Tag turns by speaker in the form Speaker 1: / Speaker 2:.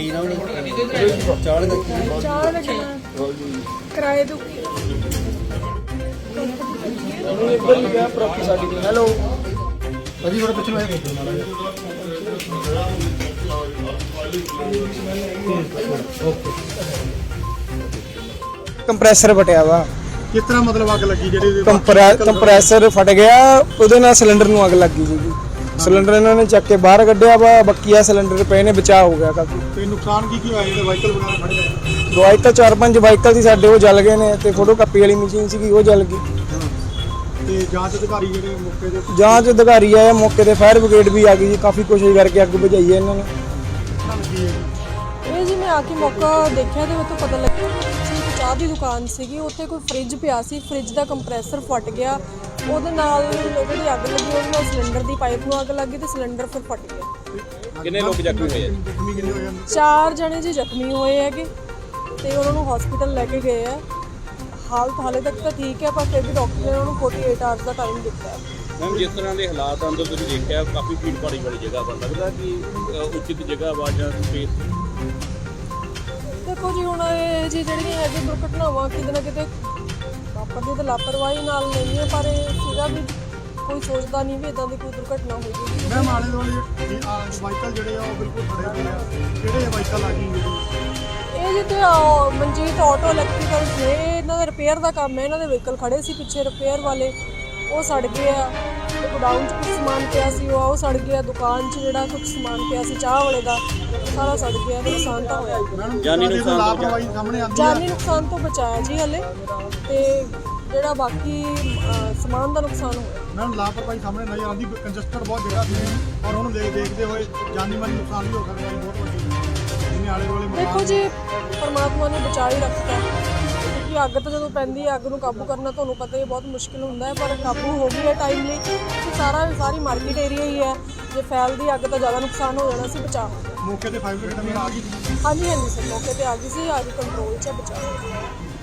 Speaker 1: ਕੀ ਨਾ ਹੋਣੀ ਚਾਹ ਲੱਗਣਾ ਕਿਰਾਏ ਤੋਂ
Speaker 2: ਇੱਧਰ ਹੀ ਗਿਆ ਪ੍ਰੋਪਰਟੀ ਸਾਡੀ ਦੀ। ਹੈਲੋ
Speaker 3: ਅਜੀ ਥੋੜਾ ਪਿੱਛੇ ਆਇਆ ਦੇਖੋ ਮਾੜਾ
Speaker 2: ਕੰਪਰੈਸਰ ਫਟਿਆ ਵਾ।
Speaker 3: ਕਿਸ ਤਰ੍ਹਾਂ ਮਤਲਬ ਅੱਗ ਲੱਗੀ ਜਿਹੜੀ
Speaker 2: ਕੰਪਰੈਸਰ ਫਟ ਗਿਆ, ਉਹਦੇ ਨਾਲ ਸਿਲੰਡਰ ਨੂੰ ਅੱਗ ਲੱਗੀ ਜੀ। ਸਿਲੰਡਰ ਇਹਨਾਂ ਨੇ ਚੱਕ ਕੇ ਬਾਹਰ ਕੱਢਿਆ ਵਾ, ਬਕੀਆ ਸਿਲੰਡਰ ਪਏ ਨੇ, ਬਚਾਅ ਹੋ ਗਿਆ ਕਾਫੀ।
Speaker 3: ਤੇ ਨੁਕਸਾਨ ਕੀ ਹੋਇਆ ਜਿਹੜੇ ਵਾਹੀਕਲ ਵਗੈਰਾ ਖੜੇ ਹੋਏ?
Speaker 2: ਵਾਹੀਕਲ 4-5 ਵਾਹੀਕਲ ਸੀ ਸਾਡੇ, ਉਹ ਜਲ ਗਏ ਨੇ, ਤੇ ਫੋਟੋ ਕਾਪੀ ਵਾਲੀ ਮਸ਼ੀਨ ਸੀਗੀ ਉਹ ਜਲ ਗਈ।
Speaker 3: ਤੇ ਜਾਂਚ ਅਧਿਕਾਰੀ ਜਿਹੜੇ ਮੌਕੇ ਦੇ
Speaker 2: ਜਾਂਚ ਅਧਿਕਾਰੀ ਆਏ ਮੌਕੇ ਤੇ, ਫਾਇਰ ਬ੍ਰਿਗੇਡ ਵੀ ਆ ਗਈ ਜੀ, ਕਾਫੀ ਕੋਸ਼ਿਸ਼ ਕਰਕੇ ਅੱਗ ਬੁਝਾਈ ਹੈ ਇਹਨਾਂ ਨੇ।
Speaker 1: ਇਹ ਜੀ ਮੈਂ ਆ ਕੇ ਮੌਕਾ ਦੇਖਿਆ ਤੇ ਮੈਨੂੰ ਪਤਾ ਲੱਗਿਆ ਕਿ ਚਾਹ ਦੀ ਦੁਕਾਨ ਸੀਗੀ, ਉੱਥੇ ਕੋਈ ਫ੍ਰਿਜ ਪਿਆ ਸੀ, ਫ੍ਰਿਜ ਦਾ ਕੰਪਰੈਸਰ ਫਟ ਗਿਆ, ਉਹਦੇ ਨਾਲ ਜਿਹੜੀ ਅੱਗ ਲੱਗੀ ਉਹਦੇ ਨਾਲ ਸਿਲੰਡਰ ਦੀ ਪਾਈਪ ਨੂੰ ਅੱਗ ਲੱਗੀ ਤੇ ਸਿਲੰਡਰ ਫਿਰ ਫਟ ਗਿਆ।
Speaker 4: ਕਿੰਨੇ ਲੋਕ ਜ਼ਖਮੀ ਹੋਏ ਆ?
Speaker 1: 4 ਜਣੇ ਜੀ ਜ਼ਖਮੀ ਹੋਏ ਹੈਗੇ ਤੇ ਉਹਨਾਂ ਨੂੰ ਹਸਪੀਟਲ ਲੈ ਕੇ ਗਏ ਆ। ਹਾਲਤ ਹਾਲੇ ਤੱਕ ਤਾਂ ਠੀਕ ਹੈ, ਪਰ ਫਿਰ ਵੀ ਡਾਕਟਰ ਨੇ ਉਹਨਾਂ ਨੂੰ 48 ਆਵਰਸ ਦਾ ਟਾਈਮ ਦਿੱਤਾ ਹੈ।
Speaker 4: ਮੈਮ ਜਿਸ ਤਰ੍ਹਾਂ ਦੇ ਹਾਲਾਤ ਅੰਦਰ ਤੁਸੀਂ ਦੇਖਿਆ, ਕਾਫੀ ਭੀੜ ਭਾੜੀ ਵਾਲੀ ਜਗ੍ਹਾ ਵਾ, ਲੱਗਦਾ ਕਿ ਉਚਿਤ ਜਗ੍ਹਾ ਵਾ ਜਾਂ ਸਪੇਸ?
Speaker 1: ਦੇਖੋ ਜੀ ਹੁਣ ਇਹ ਜੀ ਜਿਹੜੀਆਂ ਹੈਗੀ ਦੁਰਘਟਨਾਵਾਂ ਕਿਤੇ ਨਾ ਕਿਤੇ ਵਾਪਰਦੀ ਤਾਂ ਲਾਪਰਵਾਹੀ ਨਾਲ ਨਹੀਂ ਹੈ, ਪਰ ਇਹ ਸੀਗਾ ਵੀ ਕੋਈ ਸੋਚਦਾ ਨਹੀਂ ਵੀ ਇਦਾਂ ਦੀ ਕੋਈ ਦੁਰਘਟਨਾ ਹੋਵੇਗੀ।
Speaker 3: ਮੈਂ ਆਲੇ ਦੁਆਲੇ ਵਾਹੀਕਲ ਜਿਹੜੇ ਆ ਉਹ ਬਿਲਕੁਲ ਖੜੇ ਹੋਏ ਆ, ਕਿਹੜੇ ਵਾਹੀਕਲ ਆ ਗਈ
Speaker 1: ਇਹ ਜਿੱਥੇ ਮਨਜੀਤ ਆਟੋ ਇਲੈਕਟ੍ਰੀਕਲ ਨੇ, ਇਹਨਾਂ ਦਾ ਰਿਪੇਅਰ ਦਾ ਕੰਮ ਹੈ, ਇਹਨਾਂ ਦੇ ਵਹੀਕਲ ਖੜੇ ਸੀ ਪਿੱਛੇ ਰਿਪੇਅਰ ਵਾਲੇ, ਉਹ ਸੜ ਗਏ ਆ। ਤੇ ਗੋਡਾਊਨ 'ਚ ਕੁਝ ਸਮਾਨ ਪਿਆ ਸੀ ਉਹ ਸੜ ਗਿਆ, ਦੁਕਾਨ 'ਚ ਜਿਹੜਾ ਕੁਝ ਸਮਾਨ ਪਿਆ ਸੀ ਚਾਹ ਵਾਲੇ ਦਾ ਸਾਰਾ ਸੜ ਗਿਆ, ਤੇ ਨੁਕਸਾਨ ਤਾਂ ਹੋਇਆ।
Speaker 4: ਜਾਨੀ ਨੁਕਸਾਨ
Speaker 3: ਲਾਪਰਵਾਹੀ ਸਾਹਮਣੇ ਆਉਂਦੀ ਹੈ।
Speaker 1: ਜਾਨੀ ਨੁਕਸਾਨ ਤੋਂ ਬਚਾਇਆ ਜੀ ਹਲੇ, ਤੇ ਜਿਹੜਾ ਬਾਕੀ ਸਮਾਨ ਦਾ ਨੁਕਸਾਨ ਹੋਇਆ।
Speaker 3: ਮੈਮ ਲਾਪਰਵਾਹੀ ਸਾਹਮਣੇ ਨਜ਼ਰ ਆਉਂਦੀ, ਕੰਜਸਟਡ ਬਹੁਤ ਜਗ੍ਹਾ ਸੀ ਔਰ ਉਹਨੂੰ ਦੇਖਦੇ ਹੋਏ ਜਾਨੀ ਮਾਲੀ ਨੁਕਸਾਨ ਵੀ ਹੋ ਸਕਦਾ ਹੈ ਬਹੁਤ ਵੱਡੀ। ਜਿਹਨੇ ਆਲੇ ਦੁਆਲੇ
Speaker 1: ਦੇਖੋ ਜੀ ਪਰਮਾਤਮਾ ਨੇ ਬਚਾ ਹੀ ਰੱਖਤਾ, ਕਿਉਂਕਿ ਅੱਗ ਤਾਂ ਜਦੋਂ ਪੈਂਦੀ ਹੈ ਅੱਗ ਨੂੰ ਕਾਬੂ ਕਰਨਾ ਤੁਹਾਨੂੰ ਪਤਾ ਹੀ ਬਹੁਤ ਮੁਸ਼ਕਿਲ ਹੁੰਦਾ ਹੈ, ਪਰ ਕਾਬੂ ਹੋ ਗਈ ਹੈ ਟਾਈਮਲੀ। ਸਾਰੀ ਮਾਰਕੀਟ ਏਰੀਆ ਹੀ ਹੈ, ਜੇ ਫੈਲਦੀ ਅੱਗ ਤਾਂ ਜ਼ਿਆਦਾ ਨੁਕਸਾਨ ਹੋ ਜਾਣਾ ਸੀ, ਬਚਾ
Speaker 3: ਮੌਕੇ ਤੇ 5 ਮਿੰਟ ਆ ਗਈ।
Speaker 1: ਹਾਂਜੀ ਸਰ ਮੌਕੇ ਤੇ ਆ ਗਈ ਸੀ, ਅੱਗ ਕੰਟਰੋਲ 'ਚ ਬਚਾ।